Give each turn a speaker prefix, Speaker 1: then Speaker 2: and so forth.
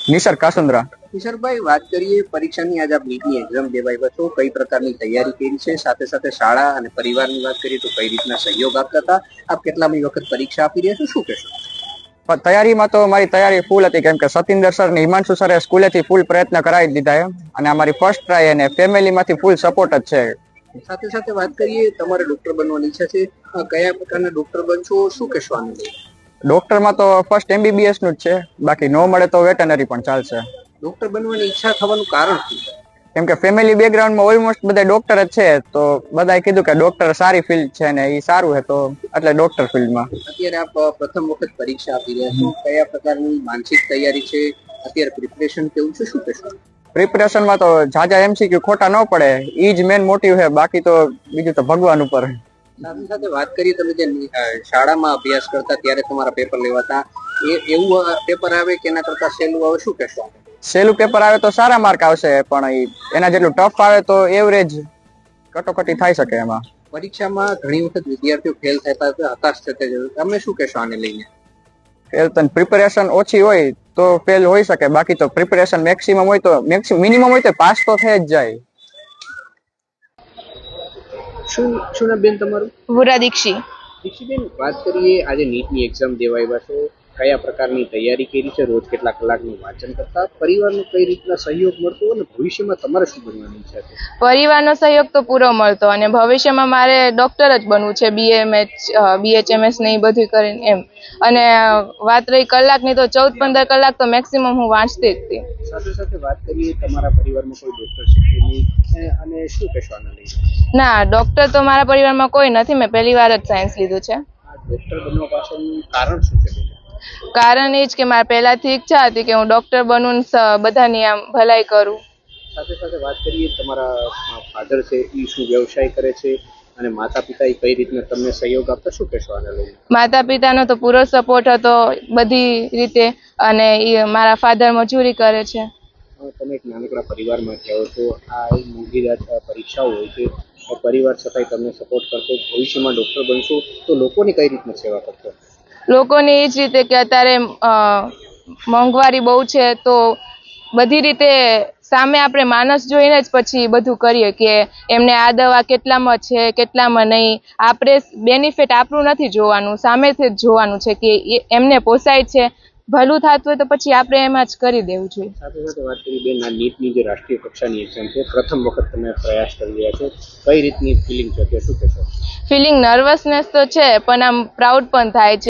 Speaker 1: નિસર્ગ કાસુંદ્રા।
Speaker 2: કિશોરભાઈ, વાત કરીએ પરીક્ષાની આજે આપ નીટની એક્ઝામ દેવા આવ્યા છો, કઈ પ્રકારની તૈયારી કરી છે, સાથે સાથે શાળા અને પરિવારની વાત કરીએ તો કઈ રીતના સહયોગ આપતા હતા, આપ કેટલામી વખત પરીક્ષા આપી રહ્યા છો, શું કહેશો?
Speaker 1: તૈયારીમાં તો મારી તૈયારી ફૂલ હતી, કેમ કે સતિન્દર સર ને હિમાંશુ સરે સ્કૂલેથી ફૂલ પ્રયત્ન કરાવી દીધા છે અને અમારી ફર્સ્ટ ટ્રાય અને ફેમિલીમાંથી ફૂલ સપોર્ટ જ છે।
Speaker 2: સાથે સાથે વાત કરીએ, તમારે ડોક્ટર બનવાની ઈચ્છા છે, કયા પ્રકારના ડોક્ટર બનશો, શું કહેશો આને લઈને?
Speaker 1: ડોક્ટરમાં તો ફર્સ્ટ MBBS નું જ છે, બાકી નો મળે તો વેટનરી પણ ચાલશે।
Speaker 2: ડોક્ટર બનવાની ઈચ્છા થવાનું કારણ શું?
Speaker 1: કેમ કે ફેમિલી બેકગ્રાઉન્ડમાં ઓલમોસ્ટ બધા ડોક્ટર જ છે, તો બધાએ કીધું કે ડોક્ટર સારી ફિલ્ડ છે ને એ સારું છે, તો એટલે ડોક્ટર ફિલ્ડમાં।
Speaker 2: અત્યારે આપ પ્રથમ વખત પરીક્ષા આપી રહ્યા છો, કયા પ્રકારની માનસિક તૈયારી છે, અત્યારે પ્રિપરેશન કેવું છે, શું કહેશો?
Speaker 1: પ્રિપરેશનમાં તો જાજા MCQ ખોટા ન પડે, ઈ જ મેન મોટિવ છે, બાકી તો બીજું તો ભગવાન ઉપર।
Speaker 2: સાથે સાથે વાત કરીએ, તમે જે શાળામાં અભ્યાસ કરતા ત્યારે તમારા પેપર લેવાતા, એવું પેપર આવે કે એના કરતા સહેલું આવે, શું કહેશો?
Speaker 1: સહેલું પેપર આવે તો સારા માર્ક આવશે, પણ એના જેટલું ટફ આવે તો એવરેજ કટોકટી થઈ શકે એમાં।
Speaker 2: પરીક્ષામાં ઘણી વખત વિદ્યાર્થીઓ ફેલ થતા હતા, હતાશ થતા હતા, તમે શું કહેશો આને લઈને?
Speaker 1: ફેલ તો પ્રિપેરેશન ઓછી હોય તો ફેલ હોઈ શકે, બાકી તો પ્રિપેરેશન મેક્સિમમ હોય તો મિનિમમ હોય તો પાસ તો થઈ જ જાય।
Speaker 2: શું ના બેન તમારું?
Speaker 3: વુરા દીક્ષી।
Speaker 2: દીક્ષીબેન, વાત કરીએ આજે નીટની એક્ઝામ દેવા આવ્યા છો, કયા પ્રકારની તૈયારી કરી છે, રોજ કેટલા કલાકનું વાંચન કરતા, પરિવારનો કઈ રીતના સહયોગ મળતો અને ભવિષ્યમાં તમારે શું બનવાની ઈચ્છા છે?
Speaker 3: પરિવારનો સહયોગ તો પૂરો મળતો અને ભવિષ્યમાં મારે ડોક્ટર જ બનવું છે, BHMS ને એ બધું કરીને એમ। અને વાત રહી કલાકની, તો 14-15 કલાક તો મેક્સિમમ હું વાંચતી જ હતી।
Speaker 2: સાથે સાથે વાત કરીએ, તમારા પરિવારમાં કોઈ ડોક્ટર છે કે નહીં, અને શું કહેશો આને લઈને?
Speaker 3: ના, ડોક્ટર તો મારા પરિવારમાં કોઈ નથી, મેં પહેલી વાર જ સાયન્સ લીધું છે।
Speaker 2: ડોક્ટર બનવા પાછળનું કારણ શું છે?
Speaker 3: કારણ એ જ કે મારે પહેલાથી ઈચ્છા હતી કે હું ડોક્ટર બનું, બધાની આમ ભલાઈ કરું।
Speaker 2: સાથે સાથે વાત કરીએ, તમારા ફાધર છે એ શું વ્યવસાય કરે છે, અને માતા પિતા એ કઈ રીતના તમને સહયોગ આપતા, શું કહેશો આને લઈને?
Speaker 3: માતા પિતાનો તો પૂરો સપોર્ટ હતો બધી રીતે, અને મારા ફાધર મજૂરી કરે છે।
Speaker 2: તમે એક નાનકડા પરિવારમાંથી આવો છો, આ મોંઘીદાર પરીક્ષાઓ હોય છે, પરિવાર છતાંય તમને સપોર્ટ કરતો, ભવિષ્યમાં ડોક્ટર બનશો તો લોકોની કઈ રીતના સેવા કરશો?
Speaker 3: લોકોની એ જ રીતે કે અત્યારે મોંઘવારી બહુ છે, તો બધી રીતે સામે આપણે માણસ જોઈને જ પછી બધું કરીએ કે એમને આ દવા કેટલામાં છે, કેટલામાં નહીં। આપણે બેનિફિટ આપણું નથી જોવાનું, સામેથી જ જોવાનું છે કે એમને પોસાય છે, ભલું થતું હોય તો પછી આપણે એમાં જ કરી દેવું જોઈએ।
Speaker 2: સાથે સાથે વાત કરી બેન, આ નીટની જે રાષ્ટ્રીય કક્ષાની એક્ઝામ છે, પ્રથમ વખત તમે પ્રયાસ કરી રહ્યા છો, કઈ રીતની ફિલિંગ છે, શું કહેશો?
Speaker 3: ફિલિંગ નર્વસનેસ તો છે, પણ આમ પ્રાઉડ પણ થાય છે।